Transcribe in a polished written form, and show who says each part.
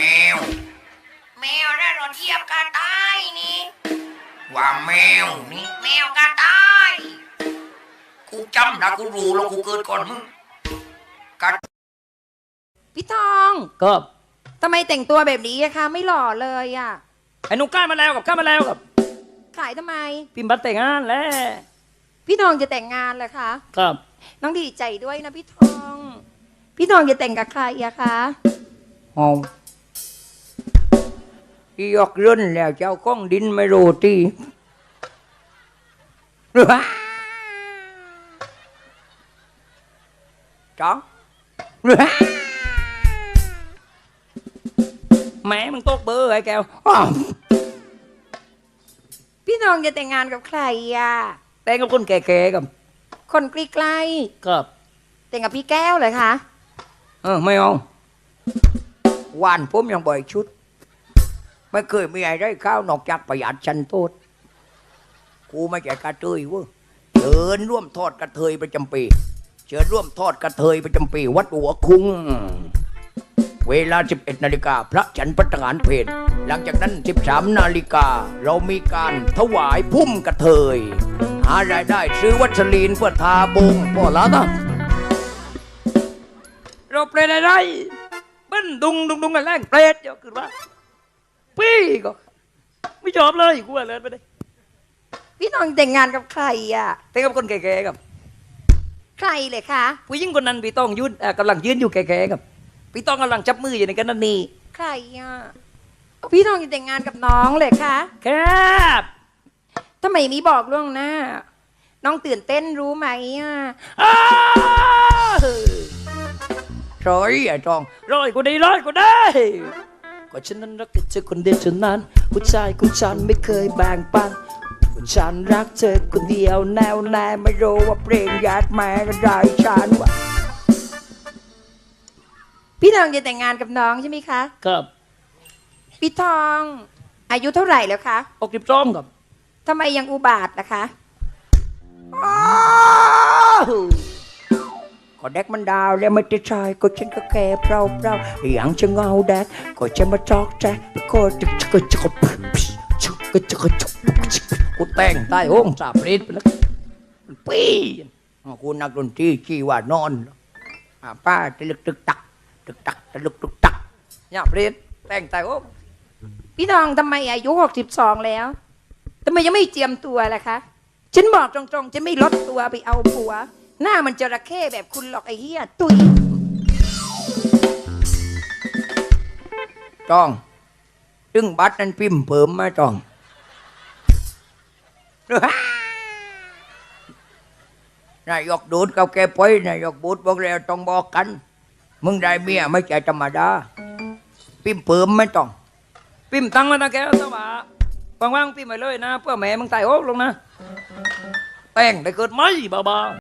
Speaker 1: ว
Speaker 2: แมวได้รถเทียบกระต่ายนี่
Speaker 1: ว่าแมวนี่
Speaker 2: แมวกระต่าย
Speaker 1: กูจำนะกูรู้แล้วกูเกิดก่อนมึงกัด
Speaker 2: พี่ทอง
Speaker 3: ก็
Speaker 2: ทำไมแต่งตัวแบบนี้อะคะไม่หล่อเลยอะ
Speaker 3: ไอ้หนุ่มกล้ามาแล้วกับ
Speaker 2: ขายทำไม
Speaker 3: พิมพ์บัตรแต่งงานแล้ว
Speaker 2: พี่ทองจะแต่งงานเหรอคะ
Speaker 3: ครับ
Speaker 2: น้องดีใจด้วยนะพี่ทอง พี่ทองจะแต่งกับใครอะคะ
Speaker 3: ห้องยกเรื่นแล้วเจ้าก้องดินไม่รู้ตีจ้องแม่มึงตกเบอร์ไอ้แก้ว
Speaker 2: พี่ทองจะแต่งงานกับใครอะ
Speaker 3: แต่งกับคนแก่ๆกับ
Speaker 2: คนใกล้
Speaker 3: ครับ
Speaker 2: ๆแต่งกับพี่แก้วเหรอคะ
Speaker 3: ไม่เอาวานผมยังบ่อยชุด ไม่เคยมีอะไรได้ข้าวนอกจากประหยัดชันโทษกูไม่ใช่กระเทยเว้ยเชิญร่วมทอดกระเทยประจำปีเชิญร่วมทอดกระเทยประจำปีวัดหัวคุ้งเวลา 11 นาฬิกาพระฉันพัฒหารเพลหลังจากนั้น 13 นาฬิกาเรามีการถวายพุ่มกระเทยหารายได้ซื้อวัสลีนเพื่อทาบงพ่อละนะเราเปรตอะไรเบิ้นดุงกันแรงเปรตเยอะขึ้นว่าพี่ก็ไม่ชอบเลยกูว่าเลยไปเลย
Speaker 2: พี่ทองแต่งงานกับใครอะ
Speaker 3: แต่กับคนแก่ๆกับ
Speaker 2: ใครเลยคะ
Speaker 3: ผู้หญิงคนนั้นพี่ต้องยืนกำลังยืนอยู่แก่ๆกับพี่ต้องกำลังจับมืออยู่ในกันนั่นนี่
Speaker 2: ใครอะพี่ทองจะแต่งงานกับน้องเลยคะ
Speaker 3: ครับ
Speaker 2: ทำไมไม่บอกล่วงหน้า น้องตื่นเต้นรู้ไหมอะ
Speaker 3: อ้าวร้อยไอ้ทองร้อยก็ได้ก็ฉันนั้นรักเธอคนเดียวเท่านั้นผู้ชายของฉันไม่เคยแบ่งปันฉันรักเธอคนเดียวแน่วแน่ไม่รู้ว่าเพลงญาติแม่ก็ได้ฉันว่า
Speaker 2: พี่ทองจะแต่งงานกับน้องใช่ไหมคะ
Speaker 3: ครับ
Speaker 2: พี่ทอง อายุเท่าไหร่แล้วคะ
Speaker 3: 62ครับ
Speaker 2: ทำไมยังอุบาทล่ะคะ
Speaker 3: ก็แดกมันดาวแล้วไม่ได้ชายก็ฉันก็แก่เปล่าอย่างจะเงาแดกก็จะมาจอกแจ๊กก็จะกูแต่งใต้ห้องสาบริดไปแล้วปีกูนักดนตรีชี้ว่านอนป้าตะลึกตึกตักตะลึกตึกตักเนี่ยปริดแต่งใต้ห้อง
Speaker 2: พี่ทองทำไมอายุ62แล้วทำไมยังไม่เจียมตัวล่ะคะ ฉันบอกตรงๆฉันไม่ลดตัวไปเอาผัว หน้ามันจระเข้แบบคุณหรอกไอ้เหี้ยตุย
Speaker 3: จ้องตึงบัตรนั้นพิมพ์เพิ่มมาจ้องนายกดูดกับแกไปนายกบูดบอกแล้วต้องบอกกัน มึงได้เมียไม่ใช่ธรรมดาพิมพ์เพิ่มไม่ต้องพิมพ์ตังมานะแกเจ้าบ่าว่างๆพิมพ์ไปเลยนะเพื่อแม่มึงตายโอ๊กลงนะแต่งได้เกิดไหมบ้า